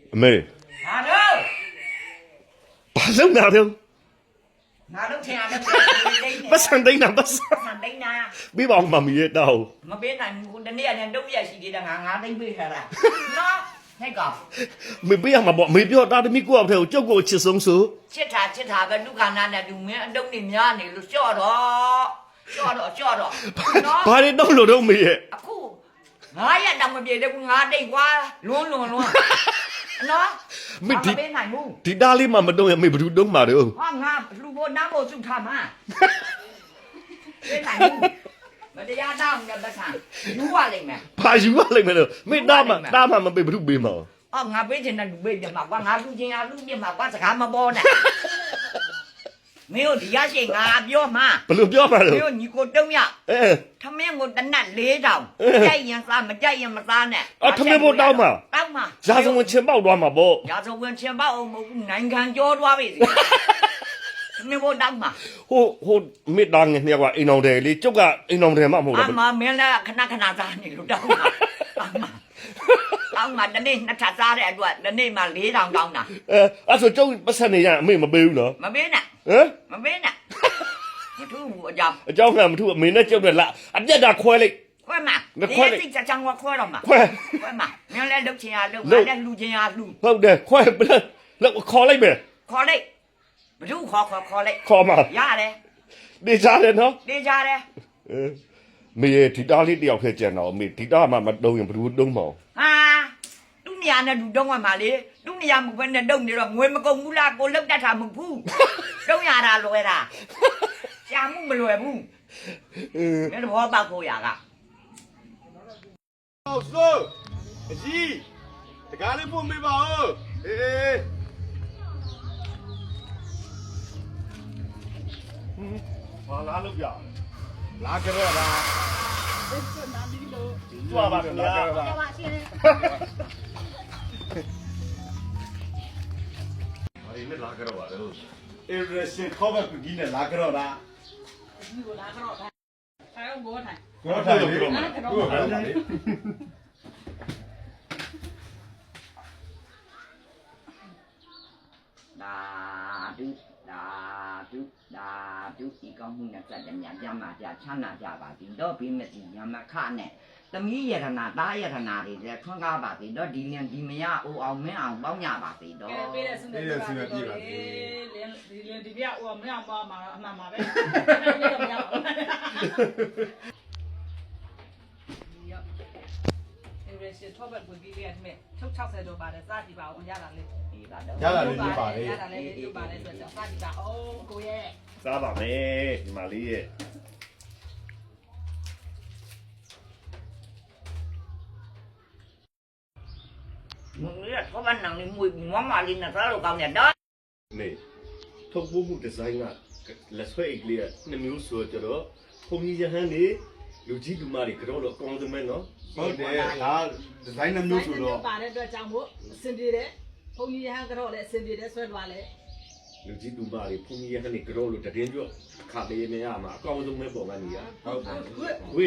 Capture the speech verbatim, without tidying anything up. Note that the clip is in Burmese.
အမေဟာတော့ဘာလုပ်နေတော့ငါတို့ထင်ရတယ်ပတ်စံတိုင်းနာပတ်စံဆန်တိုင်းနာပြီးပါဦးမမီရဲ့တောက်မပေးနိုင်ဘူးတနေ့နဲ့တုံးရရှိသေးတယ်ငါငါသိမ့်ပေးထားတာနော်ဟဲ့ကောင်မေပေးရမှာပေါ့မေပြောတာတမီကိုအဖေကိုကြောက်ကိုချစ်ဆုံးဆိုချစ်တာချစ်တာပဲဒုက္ခနာနဲ့သူမင်းအတုံးနေများနေလို့ကြော့တော့ကြော့တော့ကြော့တော့နော်ဘာတွေတော့လို့တော့မေရဲ့အခုငါရတောင်မပြေတဲ့ကူငါတိတ်ကွာလွန်းလွန်းလွန်းနော်မပေးနိုင်ဘူးဒီတားလေးမှမတော့ရမေဘယ်သူတုံးမှာတော့ဟာငါလူဖို့နားဖို့စုထားမှာပေးနိုင်ဘူးမတရားတောင်းတဲ့ပတ်စံယူရလိမ့်မယ်ဘာယူရလိမ့်မယ်လို့မေတားမှတားမှမပေးဘယ်သူပေးမှာအော်ငါပေးချင်တဲ့လူပေးပြမှာကွာငါလူချင်းအားလူပြမှာကွာစကားမပေါ်နဲ့မင်းတို့ဒီရရှိငါပြောမှာဘယ်လိုပြောမှာမလဲင်းတို့ညီကိုတုံးရအဲထမင်းကိုတနတ်လေးတောင်ကြိုက်ရင်စားမကြိုက်ရင်မစားနဲ့အော်ထမင်းဖို့တောင်းမှာတောင်းမှာရာဇဝင်ချင်ပေါက်သွားမှာပေါ့ရာဇဝင်ချင်ပေါက်အောင်မဟုတ်ဘူးနိုင်ငံကျော်သွားပြီစီထမင်းဖို့တောင်းမှာဟိုဟိုမေတားငယ်နှစ်ယောက်ကအိမ်အောင်တယ်လေကျုပ်ကအိမ်အောင်တယ်မှမဟုတ်အဘူးမမင်းလည်းခဏခဏစားနေလို့တောင်းမှာတောင်းမှာတောင်းမှာတနေ့နှစ်ထပ်စားတဲ့အတွက်တနေ့မှလေးတောင်တောင်းတာအဲအဲ့ဆိုကျုပ်ပတ်စံနေရအမေမပေးဘူးနော်မပေးနဲ့ဟမ်မပေးနဲ့မထူးဘူးအကြောင်းအเจ้าကမထူအမေနဲ့ကျုပ်နဲ့လာအပြက်တာခွဲလိုက်ခွဲမှာမခွဲဒီလိုက်စိတ်ချချောင်းကခွဲတော့မှာခွဲခွဲမှာမင်းလည်းလုတ်ချင်ရလုတ်လုငါတ်လည်းလူချင်ရလူဟုတ်တယ်ခွဲဘယ်လောက်ခေါ်လိုက်မယ်ခေါ်လိုက်ဘယ်သူခေါ်ခေါ်ခေါ်လိုက်ခေါ်မှာရတယ်နေကြတယ်နော်နေကြတယ်အဲမေရဲ့ဒီတားလေးတယောက်ထဲကျန်တော့မေဒီတားမှမတုံးရင်ဘယ်သူတုံးမအောင်ဟာသူ့နေရာနဲ့လူတုံးရမှာလေသူ့နေရာမဟုတ်ဘဲနဲ့တုံးနေတော့ငွေမကုန်ဘူးလားကိုလုတ်တတ်တာမဟုတ်ဘူးတုံးရတာလွယ်တာရှာမှုမလွယ်ဘူးအဲမင်းတော့ဘောပေါက်ဖို့ရကဟုတ်ဆိုအကြီးတကားလေးပို့မေးပါဦးအေးအေးဘာလားလို့ပြလာကြရတာကြွားပါခင်ဗျာဘာရင်းနဲ့လာကြရပါတော့အေရရှင်ခေါ်ပါကူကြီးနဲ့လာကြရတာ你给我拿个老太，还有我太， ကိုထားလို့ပြောမှာကိုထားပါလေဒါဒုဒါဒုဒါဒုဒီကောင်းမှုနဲ့စက်တဲ့ညာကြမှာကြချမ်းသာကြပါသည်တော့ပြီးမစီညာမခနဲ့သမီးယရနာတားယရနာတွေလည်းထွန်းကားပါသည်တော့ဒီလင်ဒီမရအိုအောင်မင်းအောင်ပေါင်းကြပါသည်တော့别的是那个，连连连这边我们俩妈妈妈妈呗，那个不要。是托本规矩的咩？抽抽晒就把的啥地方我家那里， ဒီပါတော့ရလာလေနေပါလေ家那里就把的说叫啥地方哦，过耶。 စားပါမယ်ဒီမလေးရဲ့မင်းရတော့ဘာနန်းလေးမွေးမမလေးနဲ့စားလို့ကောင်းတယ်တော့မေထုတ်ဖို့မှုဒီဇိုင်းကလက်ဆွဲအိတ်လေးနှစ်မျိုးဆိုတော့ဘုံကြီးရဟန်းနေလူကြီးလူမတွေကတော့တော့ကောင်းစမဲနော်ဟုတ်တယ်ဒါဒီဇိုင်းနှမျိုးဆိုတော့把的这账目身体的，后面还个了嘞，身体的算多嘞。 လူကြီးလူမတွေဘုံကြီးရဟန်းနေကတော့လို့တည်င်းကြော့ခါလေးနေရမှာအကောင်းဆုံးပဲပုံမှန်ကြီးရဟုတ်တယ်ဝေး